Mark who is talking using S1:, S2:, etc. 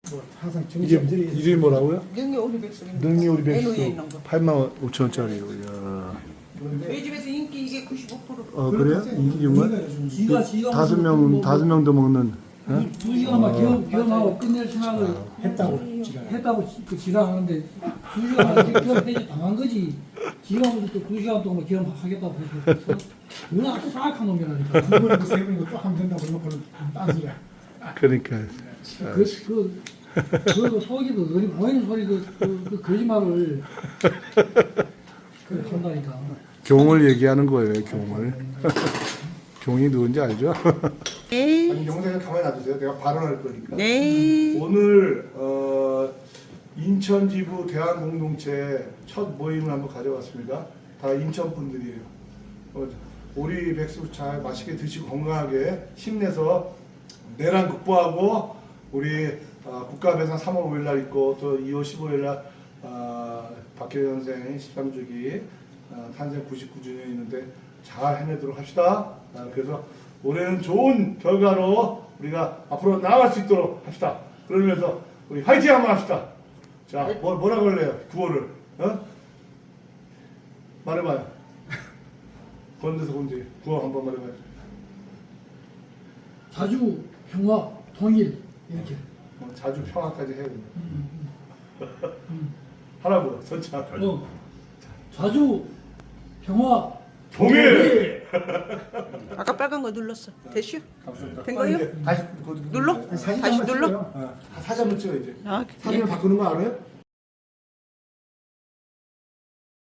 S1: 뭐 항상
S2: 이게
S1: 정신들이
S2: 이름이 뭐라고요?
S3: 능이 오리 백숙입니다.
S2: 능이 우리
S3: LO에
S2: 백수
S3: 있는 거.
S2: 85,000원짜리요. 이야.
S3: 저희 집에서 인기 이게 95%.
S2: 그래요? 인기 정말?
S4: 지가
S2: 다섯 명 더 먹는. 어?
S4: 2시간만 겸하고 끝낼 생각을
S1: 했다고 지가
S4: 했다고 그 지랄하는데 2시간 겸해지 당한 거지. 지가 무슨 또 2시간 동안 겸하겠다고 해서 누나 싹한 놈이라니까.
S1: 두 번이고 세 번이고 또 하면 된다고 그러고는 딴소리야.
S2: 그러니까.
S4: 그 속이도 어디 보이는 소리도 그 거짓말을 그 한다니까.
S2: 경을 얘기하는 거예요, 경을. 경이 누군지 알죠?
S3: 네.
S2: 아니, 영상을 가만히 놔두세요. 내가 발언할 거니까.
S3: 네.
S2: 오늘 인천 지부 대한 공동체 첫 모임을 한번 가져왔습니다. 다 인천 분들이에요. 오리 백숙 잘 맛있게 드시고 건강하게 힘내서 내란 극복하고 우리 국가배상 3월 5일 날 있고 또 2월 15일 날 박혜연 선생의 13주기 탄생 99주년이 있는데 잘 해내도록 합시다. 그래서 올해는 좋은 결과로 우리가 앞으로 나아갈 수 있도록 합시다. 그러면서 우리 화이팅 한번 합시다. 자, 뭐라고 할래요? 구호를. 말해봐요. 건대서 건지 구호 한번 말해봐요.
S4: 자주 평화 통일 이렇게.
S2: 자주 평화까지 해야 된다. 하라고요. 선착.
S4: 자주 평화
S2: 동일.
S3: 아까 빨간 거 눌렀어. 됐슈?
S2: 감사합니다.
S3: 된 거예요?
S2: 이제 다시
S3: 눌러?
S1: 사진
S3: 다시
S1: 한번
S3: 눌러?
S1: 찍어요.
S2: 사진 한번 찍어 이제.
S3: 아,
S1: 사진을 바꾸는 거 알아요?